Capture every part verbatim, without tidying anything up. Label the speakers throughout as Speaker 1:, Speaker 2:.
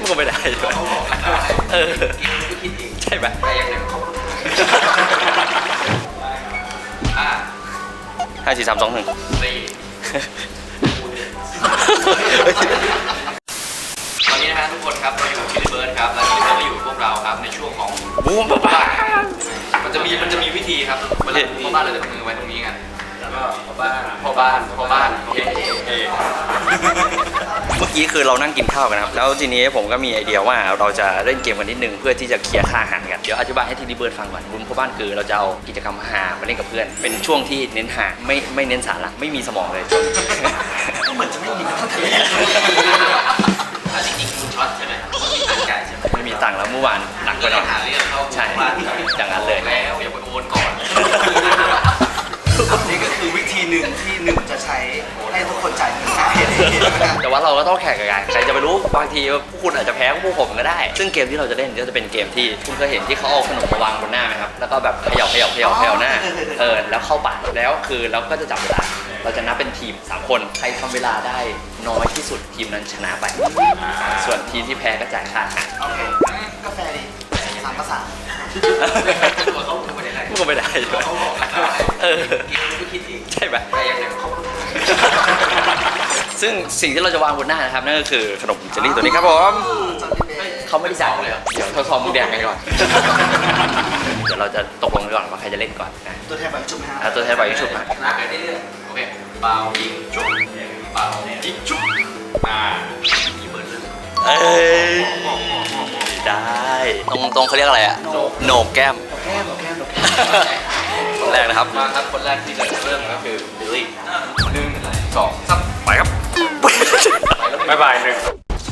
Speaker 1: ก็ไม่ได้เออคิดเองใช่ไหมแต่ยังไงเขาห้าสี่สามสองหนึ่งสี่ตอนนี้นะฮะทุกคนครับเราอยู่ที่ริเบิร์ดครับและที่เราอยู่พวกเราครับในช่วงของบูมบ้ามันจะมีมันจะมีวิธีครับเวลาพ่อบ้านเราจะมือไว้ตรงนี้กันแล้วก็พ่อบ้านพ่อบ้านพ่อบ้านเมื่อกี้คือเรานั่งกินข้าวกันครับแล้วทีนี้ผมก็มีไอเดียว่าเราจะเล่นเกมกันนิดนึงเพื่อที่จะเคลียร์ค่าอาหารกันเดี๋ยวอธิบายให้ทีริเบิร์ดฟังก่อนบุญพ่อบ้านคือเราจะเอากิจกรรมหามาเล่นกับเพื่อนเป็นช่วงที่เน้นหาไม่ไม่เน้นสาระไม่มีสมองเลยเหมือนจะไม่มีทั้งทะเลจริงๆคุณช็อตใช่ไหมไม่มีตังค์แล้วเมื่อวานหนักไปหน่อยใช่อย่างนั้นเลยแล้วอย่าไปโอนก่อน
Speaker 2: นี่ก็คือวิธีหนึ่งที่หนึ่งจะใช้ให้ทุกคนจ่ายเงินได้
Speaker 1: แต่ว่าเราก็ต้องแข่งกันใครจะไปรู้บางทีพวกคุณอาจจะแพ้พวกผมก็ได้ซึ่งเกมที่เราจะเล่นก็จะเป็นเกมที่คุณเคยเห็นที่เขาเอาขนมมาวางบนหน้าไหมครับแล้วก็แบบเขย่าเขย่าเขย่าเขย่าหน้าเออแล้วเข้าปากแล้วคือเราก็จะจับเวลาเราจะนับเป็นทีมสามคนใครทำเวลาได้น้อยที่สุดทีมนั้นชนะไปส่วนทีมที่แพ้ก็จ่ายค่าอาหาร
Speaker 2: โอเคกาแฟดีสามภาษา
Speaker 1: ตัวเขาพูดไม่ได้พูดไม่ได้เออคิดเองใช่ไหมแต่ยังไงเขาซึ่งสิ่งที่เราจะวางบนหน้านะครับนั่นก็คือขนมเจลลี่ตัวนี้ครับผมเขาไม่ได้จ่ายเลยเดี๋ยวทดสอบมือแดงกันก่อนเดี๋ยวเราจะตกลงกันก่อนว่าใครจะเล่นก่อน
Speaker 2: ตัวแทนใบชุบนะ
Speaker 1: ตัวแทนใบชุบนะ
Speaker 2: นับไปเรื่อยๆโอเคเป่ายิงชุบเป่ายิงชุบมาอีเบิร์ดเลย
Speaker 1: เอ้ยได้ตรงตรงเขาเรียกอะไรอะโหนกแก้ม
Speaker 2: แก้มแก้ม
Speaker 1: คนแรกนะครับ
Speaker 2: มาครับคนแรกที่จะเริ่มก็คือบิลลี่หนึ่งสองสาม
Speaker 1: ไปครับบ๊ายบายหนึ่ง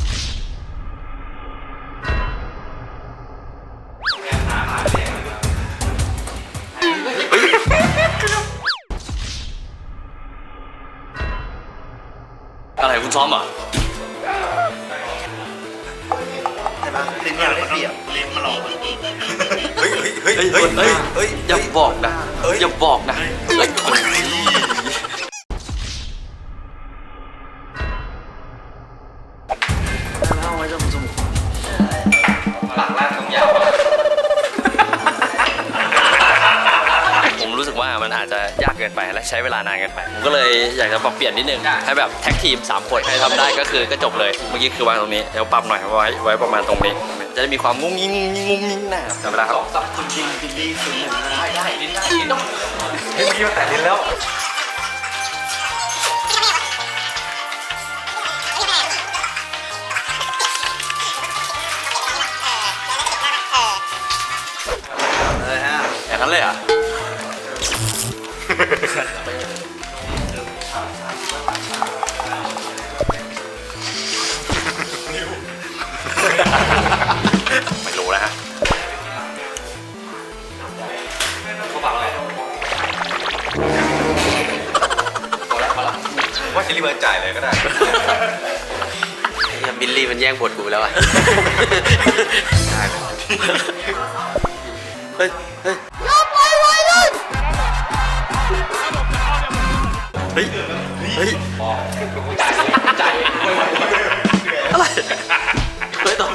Speaker 1: อะไรคุณซ้อมอ่ะ
Speaker 2: ใช่ไหมลิ้นยาวได้เปรียบลิ้นมาหลอก
Speaker 1: เฮ้ยเฮ้ยเฮ้ยเฮ้ยเฮ้ยอย่าบอกนะอย่าบอกนะเฮ้ย
Speaker 2: แล้วไว้จะมุจมูก
Speaker 1: ปากลากทั้งยาวผมรู้สึกว่ามันอาจจะยากเกินไปและใช้เวลานานเกินไปผมก็เลยอยากจะปรับเปลี่ยนนิดนึงให้แบบแท็กทีมสามคนใครทำได้ก็คือก็จบเลยเมื่อกี้คือวางตรงนี้เดี๋ยวปรับหน่อยไว้ไว้ประมาณตรงนี้จะได้มีความงุ้งงิ้งงุ้งงิ้งหน้าจำเวลาครับ
Speaker 2: สับคุณยิงบิลลี่ศูนย์หนึ่งได้
Speaker 1: ได้ลิ้นได้ลิ้นต้องเฮ้ยเมื่อกี้มันแตะลิ้นแล้ว
Speaker 2: เลยฮะ
Speaker 1: อย่างนั้นเลยอ่ะไม่รู้นะฮะเขาบอกอะไรพอแล้วพอแล้วว่าจะรีบมาจ่ายเลยก็ได้ยังบิลลี่มันแย่งบทกูแล้วอ่ะเฮ้ยเฮ้ยอย่าปล่อยไว้เลยเฮ้ยเฮ้ยจ่ายจ่ายอะไรเฮ้ยต่อ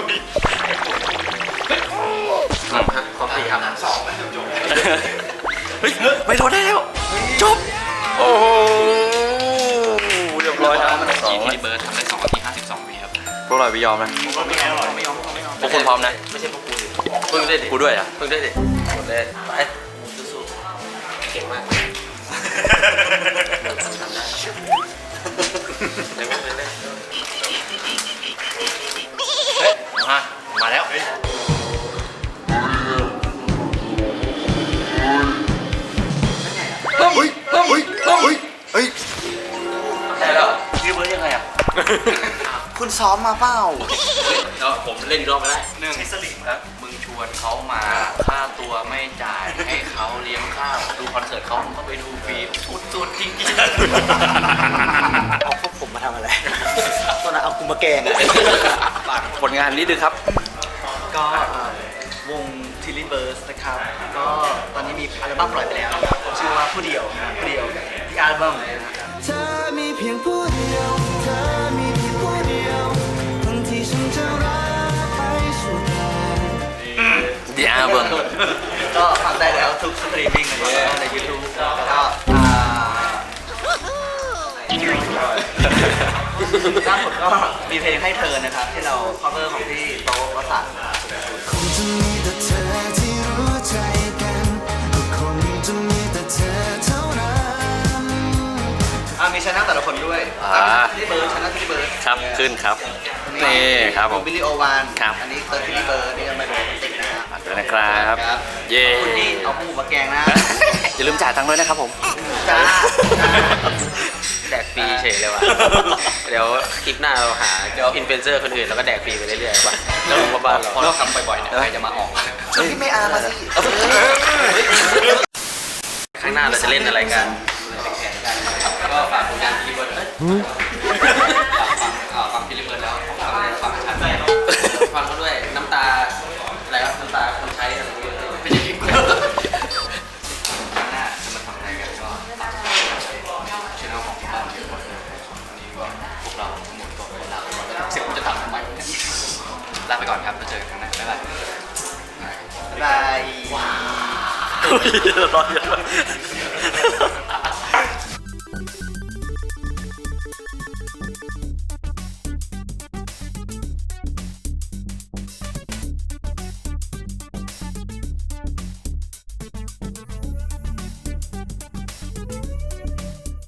Speaker 1: ขอสี่ครับสองเฮ้ยไม่โดนได้แล้วจบโอ้โหเรียบร้อยครับสองที่เบิร์ดทำได้สองนาทีห้าสิบสองวิครับพวกเราไม่ยอมนะ
Speaker 2: ไม่ยอมไม่ยอม
Speaker 1: พวกคุณพร้อมนะ
Speaker 2: ไม่ใช่พวกกูดิ
Speaker 1: เพิ่งได้ดิกูด้วยอ่ะเพิ่งได้ดิหมดเลยไป
Speaker 2: สู้ๆเก่งมากทำได้ยังไม่เลย
Speaker 1: เฮ้ยมามาแล้วเฮ้ยเฮ้ยเฮ้ยเฮ้ยเฮ้ยใช่แล้วพี่เบิร์ดยังไงอ่ะ
Speaker 2: คุณซ้อมมาเปล่า
Speaker 1: แล้วผมเล่นอีกรอบก็ได้หนึ่งสลิงครับมึงชวนเขามาค่าตัวไม่จ่ายให้เขาเลี้ยงข้าวดูคอนเสิร์ตเขาก็ไปดูฟรีสุดๆจริง
Speaker 2: ๆเอาพวกผมมาทำอะไรตอนนั้นเอากูมาแกง
Speaker 1: ผลงานนี้ดูครับ
Speaker 2: ก็วงทิลลี่เบิร์สนะครับก็ตอนนี้มีอัลบั้มปล่อยไปแล้วชื่อว่าผู้เดียวผู้เดียวที่อัลบั้มเธอมีเพียงผู้เดียวเธอมีเพียงผู้เดียวคนที่ฉันจะรักก็ฟังได้แล้วทุกสตรีมมิ่งนะครับใน YouTube แล้วก็อ่าล่าสุดก็มีเพลงให้เธอนะครับที่เรา cover ของพี่โต๊ะวสันต์
Speaker 3: คงจะมีแต่เธอที่รู้ใจกันก็คงจะมีแต่เธอเท่านั้น
Speaker 2: อ่ามีชนะแต่ละคนด้วย
Speaker 1: อ่า
Speaker 2: ที่เบิร์ดชนะที่เบิร์ด
Speaker 1: ครับขึ้นครับนี่ครับผม
Speaker 2: บิลลี่โอวาน
Speaker 1: ครับ
Speaker 2: อันนี้เติร์ดที่เบิร์ดนี่ก็ไม่โดนติดนะครับ
Speaker 1: ฝากด้วยนะครับเย้
Speaker 2: คุณนี่เอาหมูมาแกงนะ
Speaker 1: อย่าลืมจ่ายตังค์ด้วยนะครับผม
Speaker 2: จ้า
Speaker 4: แดกฟรีเฉยเลยว่ะ เดี๋ยวคลิปหน้าเราหาอินฟลูเอนเซอร์คนอื่นแล้วก็แดกฟรีไปเรื่อยๆว่ะแล้วรู้ว่าบ้านเรา
Speaker 1: พอเราทำบ่อยๆเนี่ยใครจะมาออก
Speaker 2: พี่ไม่อามาสิ
Speaker 4: ข้างหน้าเราจะเล่นอะไรกัน
Speaker 1: ก็ฝากผลงานทีเบิร์ดฝากฟังทีเบิร์ดแล้วฟังฟังชัด
Speaker 4: ฟังเขาด้วยน้ำตาอะไรครับน้ำตาคนใช้อะไรอย่างเงี้ย
Speaker 1: ไม่ใช่คลิปหน้าจะมาทำอะไรกันก็ฝากช่องของบ้านทีเบิร์ดวันนี้ก็พวกเราทั้งหมดก็ลาไปก่อนเสร็จผมจะทำทำไมลาไปก่อนครับแล้วเจอกันครั้งหน้าบ๊ายบาย
Speaker 2: บาย
Speaker 1: ว้าว